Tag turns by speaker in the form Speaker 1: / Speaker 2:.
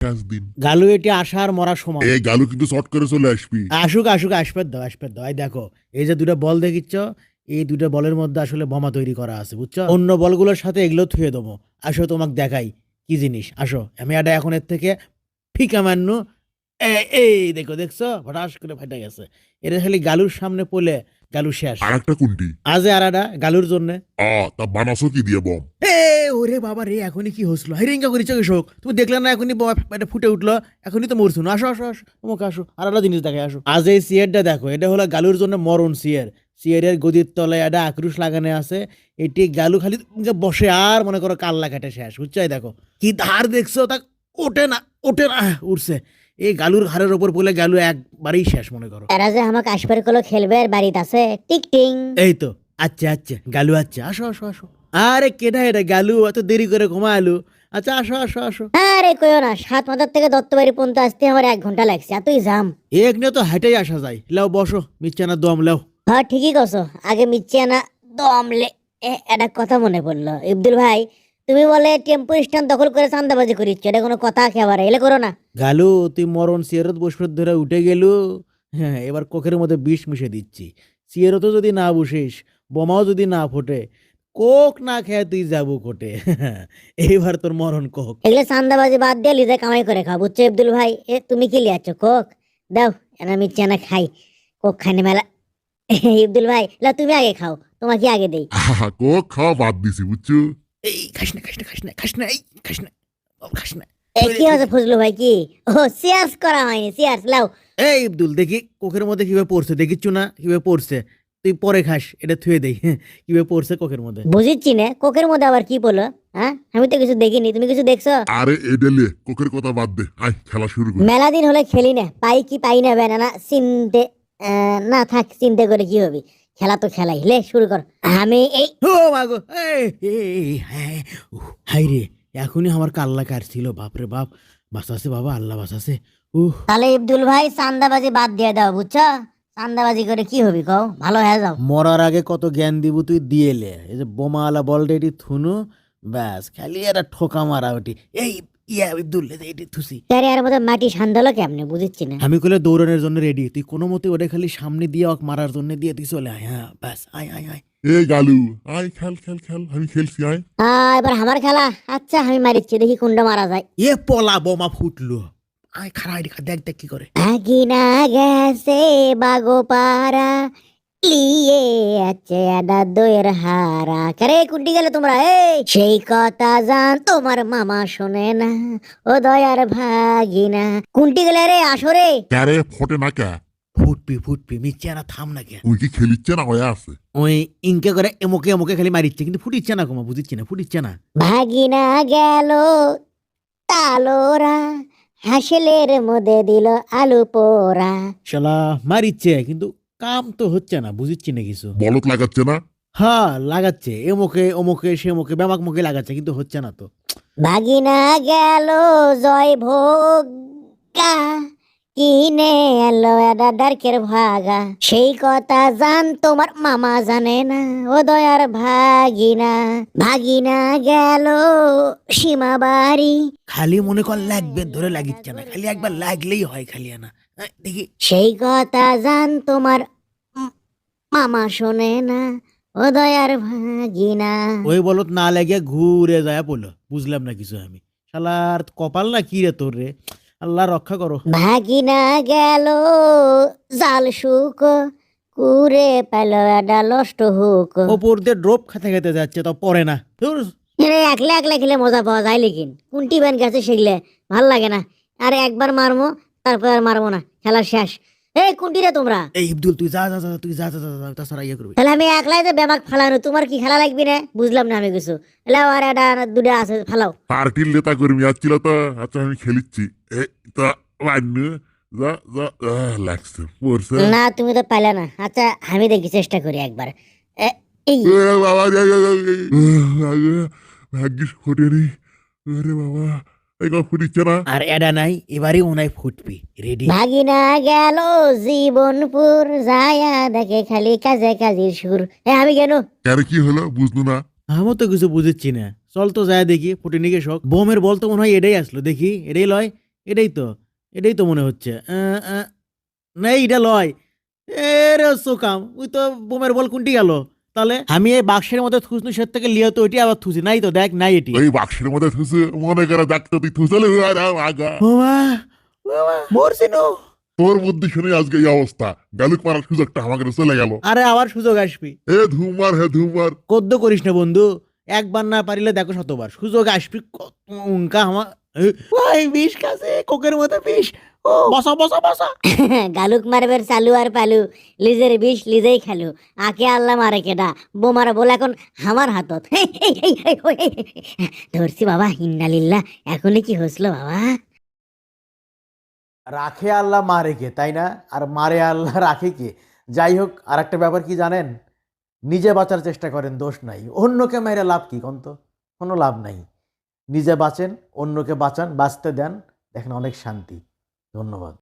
Speaker 1: দিন
Speaker 2: গালু এটি আসার মরা সময়।
Speaker 1: এই গালু কিন্তু শর্ট করে চলে আসবি।
Speaker 2: আসুক আসুক, আসবে দাও আসবে দাও। এই দেখো, এই যে দুটা বল দেখিচ্ছ, এই দুটা বলের মধ্যে আসলে বোমা তৈরি করা আছে, বুঝছো? অন্য বলগুলোর সাথে এগুলো থুয়ে দেবো। আসো তোমাকে দেখাই কি জিনিস। আসো, আমি এটা এখন এর থেকে ফিকা মান্নু। এই দেখো, দেখছো হঠাৎ করে ফাইটা গেছে। এটা খালি গালুর সামনে পড়লে গালু শেষ।
Speaker 1: আর একটা কোনটি?
Speaker 2: আজে আর একটা গালুর জন্য।
Speaker 1: তা বানাসো কি দিয়ে বম?
Speaker 2: ওরে বাবা রে, এখনই কি হসলো? হাইরিঙ্গা করিছ কৃষক, তুমি দেখলে না এখনই এটা ফুটে উঠলো? এখনই তো মরছো না। আসো আসো আসো, তোমাকে আসো, আর একটা জিনিস দেখে আসো। আজ এই সিয়ারটা দেখো, এটা হলো গালুর জন্য মরণ সিয়ার। সিয়ারের গদির তলায় একটা আক্রুশ লাগানো আছে। এটি গালু খালি বসে আর মনে করো কাল্লা কাটে শেষ, বুঝছো? দেখো কি ধার দেখছো, তা ওঠে না ওঠে না, উঠছে। এই গালুর ঘাড়ের ওপর পড়লে গালু একবারেই শেষ মনে করো।
Speaker 3: এরা যে আমাকে আসবার কলো খেলবে আর বাড়িতে আছে টিক টিং।
Speaker 2: এই তো আচ্ছা আচ্ছা গালু, আচ্ছা আসো আসো আসো। আরে কেডা এটা গালু? এত দেরি করে ঘুমালু? আচ্ছা আসো আসো আসো।
Speaker 3: আরে কইও না, 7 মাথার থেকে দত্তবাড়ি পর্যন্ত আসতে আমার 1 ঘন্টা লাগছে, এতই জাম।
Speaker 2: এক নিয়ে তো হাইটাই আসা যায়। লাও বসো, মিচ্ছানা দম লাও।
Speaker 3: হ্যাঁ ঠিকই কছো, আগে মিচ্ছি না দমলে। একটা কথা মনে পড়লো ইবদুল ভাই, তুমি বলে টেম্পো স্ট্যান্ড দখল করে চান্দাবাজি করিচ্ছ, এটা কোনো কথা একেবারে এলে করো না।
Speaker 2: গালু তুই মরণ সিয়ারত বসবে ধরে উঠে গেলু। হ্যাঁ, এবার কোকের মধ্যে বিষ মিশে দিচ্ছি। সিয়ারতও যদি না বসিস, বোমাও যদি না ফোটে, কোক না খেয়ে তুই যাবো কোটে। এইবার তোর মরণ কোক।
Speaker 3: এগুলো চান্দাবাজি বাদ দিয়ে লিজে কামাই করে খাও, বুঝছো ইবদুল ভাই? তুমি কি লিয়াচ্ছ কোক? দাও এনা মিচ্ছি না খাই, কোক খাইনি মেলা। ইবদুল ভাই লা তুমি আগে খাও, তোমাকে আগে দেই।
Speaker 1: কোক খাওয়া বাদ দিছি বুঝছো।
Speaker 2: এই খাস না খাস না খাস না খাস না, এই খাস না, খাস না।
Speaker 3: কি হচ্ছে ফজলু ভাই? কি ও সিয়ার্স করা হয়নি? সিয়ার্স লাও।
Speaker 2: এই আব্দুল, দেখি কোকের মধ্যে কিভাবে পড়ছে, দেখিচ্ছ না কিভাবে পড়ছে? তুই পরে খাস, এটা থুয়ে দেই। কিভাবে পড়ছে কোকের মধ্যে।
Speaker 3: বুঝিচ্ছি না কোকের মধ্যে আবার কি বলো? হ্যাঁ আমি তো কিছু দেখিনি, তুমি কিছু দেখছো?
Speaker 1: আরে এডেলে কোকের কথা বাদ দে, আয় খেলা শুরু করি।
Speaker 3: মেলা দিন হলে খেলি না, পাই কি পাই না বেনা চিনতে। না থাক, চিন্তা করে কি হবে, খেলা তো খেলাই, লে শুরু কর। আমি এই
Speaker 2: ও মাগো, হাই রে, এখনই আমার কাল্লা কাটছিল। বাপরে বাপ, বাঁচাছে বাবা, আল্লাহ বাঁচাছে।
Speaker 3: তাহলে ইবদুল ভাই চান্দাবাজি বাদ দিয়ে দাও, বুঝছো? চান্দাবাজি করে কি হবি কও, ভালো হয়ে যাও।
Speaker 2: মরার আগে কত জ্ঞান দিব তুই দিয়েলে। এই যে বোমাওয়ালা বলটা এটি থুনু, ব্যাস খালি একটা ঠোকা মারা ওটি। এই ইয়া আব্দুল, এটি থুসি।
Speaker 3: তারে আর মধ্যে মাটি সান্দালো কেমনে বুঝিচ্ছি না।
Speaker 2: আমি কইলে দৌড়ানোর জন্য রেডি, তুই কোনো মতে ওটা খালি সামনে দিয়ে ওকে মারার জন্য দিয়ে তুই চলে আয়। হ্যাঁ ব্যাস, আয় আয় আয়।
Speaker 1: এই গালু, আয় খেল খেল খেল, আমি খেলছি আয়।
Speaker 3: এবার আমার খেলা। আচ্ছা আমি মারিচ্ছি, দেখি কোনটা মারা যায়।
Speaker 2: পলা বোমা ফুটলো। আয় খারা, দেখ দেখ কি করে।
Speaker 3: আগিনা গেছে বাগো পারা, লিয়ে আছে আডা দইয়ের হারা। কারে কুন্টি গেলে তোমরা? এই সেই কথা জান তোমার মামা শোনে না, ও দয়ার ভাগিনা। কুন্টি গেলে রে, আসরে।
Speaker 1: ক্যারে ফটে না কে?
Speaker 2: ফুটপি ফুটপি, মিচ্ছে না, থাম না কে।
Speaker 1: তুই কি খেলিচ্ছে না হয়ে আছে?
Speaker 2: ওই ইনকে করে এমকে এমকে খালি মারিচ্ছে, কিন্তু ফুটিচ্ছে না কোমা, বুঝিচ্ছে না, ফুটিচ্ছে না।
Speaker 3: ভাগিনা গেল তালোরা, হাসলের মধ্যে দিল আলু পোড়া।
Speaker 2: শালা মারিচ্ছে, কিন্তু কাম তো হচ্ছে না, বুঝিচ্ছি না কিছু।
Speaker 1: বলত লাগাচ্ছে না?
Speaker 2: হ্যাঁ লাগাচ্ছে, এমকে অমুকে সেমকে ব্যামাক মুখে লাগাচ্ছে, কিন্তু হচ্ছে না তো।
Speaker 3: ভাগিনা গেল জয় ভোগা, কিনে এলো একটা ডার্কের ভাগা। সেই কথা জান তোমার মামা জানে না, ও দয়ার ভাগিনা। ভাগিনা গেল সীমা বাড়ি,
Speaker 2: খালি মনে কর লাগবে, ধরে লাগিচ্ছে না, খালি একবার লাগলেই হয়, খালি না। দেখি।
Speaker 3: সেই কথা জান তোমার মামা শোনে না, ও দয়ার ভাগিনা।
Speaker 2: ওই বলত না লাগে ঘুরে যায় পড়লো, বুঝলাম না কিছু আমি। শালার কপাল না কি রে তোর রে, আল্লাহ রক্ষা করো।
Speaker 3: ভাগিনা গেল জাল শুক, কুরে পেল একটা লষ্ট হুক।
Speaker 2: ওপর দিয়ে ড্রপ খেতে খেতে যাচ্ছে, তো পরে না। ধুর।
Speaker 3: একলা একলা খেলে মজা পাওয়া যায়, লেকিন কোনটি ব্যান গেছে সেগুলো ভাল লাগে না। আরে একবার মারমো, তারপর আর মারবো না, খেলা শেষ। এই কোনটি রে তোমরা?
Speaker 2: এই আব্দুল, তুই যা যা যা, তুই যা যা যা, তাছাড়া ইয়ে করবি।
Speaker 3: তাহলে আমি একলাই যে ব্যামাক ফালানো, তোমার কি খেলা লাগবে না? বুঝলাম না আমি কিছু। এলাও আর একটা দুটা আছে, ফালাও।
Speaker 1: পার্টির নেতা কর্মী আসছিল তো, আচ্ছা আমি খেলিচ্ছি। এই তা মান্নু, যা যা, লাগছে পড়ছে।
Speaker 3: না তুমি তো পাইলে না। আচ্ছা আমি দেখি, চেষ্টা করি একবার। এই
Speaker 1: বাবা, ভাগ্যিস ফোটেনি। আরে বাবা, এই কথা ফুটিচ্ছে না।
Speaker 2: আর এডা নাই, এবারে ওনাই ফুটবি। রেডি।
Speaker 3: ভাগিনা গেল জীবনপুর, যায়া দেখে খালি কাজে কাজের সুর। আমি কেন?
Speaker 1: ক্যারে কি হলো বুঝলো না?
Speaker 2: আমি তো কিছু বুঝেছি না। চল তো যায় দেখি, ফুটিনিকে শখ বোমের বল তো মনে হয় এটাই আসলো, দেখি এটাই লয়। এটাই তো মনে হচ্ছে। না এইটা লয়। এ রে সোকাম, ওই তো বোমের বল কোনটি গেল? তাহলে আমি এই বাক্সের মধ্যে থুসনু সে থেকে লিয়ে তো ওইটি আবার থুসি, নাই তো দেখ নাই এটি।
Speaker 1: এই বাক্সের মধ্যে থুসে মনে করে ডাক্তার তুই থুসলে আগা
Speaker 2: বাবা, বাবা, মরছিনু।
Speaker 1: তোর বুদ্ধি শুনে আজকে এই অবস্থা। গালুক মারার সুযোগটা আমাকে চলে গেল।
Speaker 2: আরে আবার সুযোগ আসবি।
Speaker 1: এ ধুমার হে ধুমার।
Speaker 2: কদ্দ করিস না বন্ধু, একবার না পারিলে দেখো শতবার সুযোগ আসবি। কত উনকা আমার ভাই বিষ কাছে কোকের মতো বিষ। ও বসা বসা বসা।
Speaker 3: গালুক মারবের চালু আর পালু, লিজের বিষ লিজেই খালু, আকে আল্লাহ মারে কেডা, বোমার বল এখন আমার হাতত। ধরছি বাবা, ইন্নালিল্লাহ, এখনই কি হসলো বাবা?
Speaker 2: রাখে আল্লাহ মারে কে, তাই না? আর মারে আল্লাহ রাখে কে? যাই হোক, আর একটা ব্যাপার কি জানেন, নিজে বাঁচার চেষ্টা করেন, দোষ নাই। অন্যকে মেরে লাভ কি কন্ত? কোনো লাভ নাই। নিজে বাঁচেন, অন্যকে বাঁচান, বাঁচতে দেন, দেখেন অনেক শান্তি। ধন্যবাদ।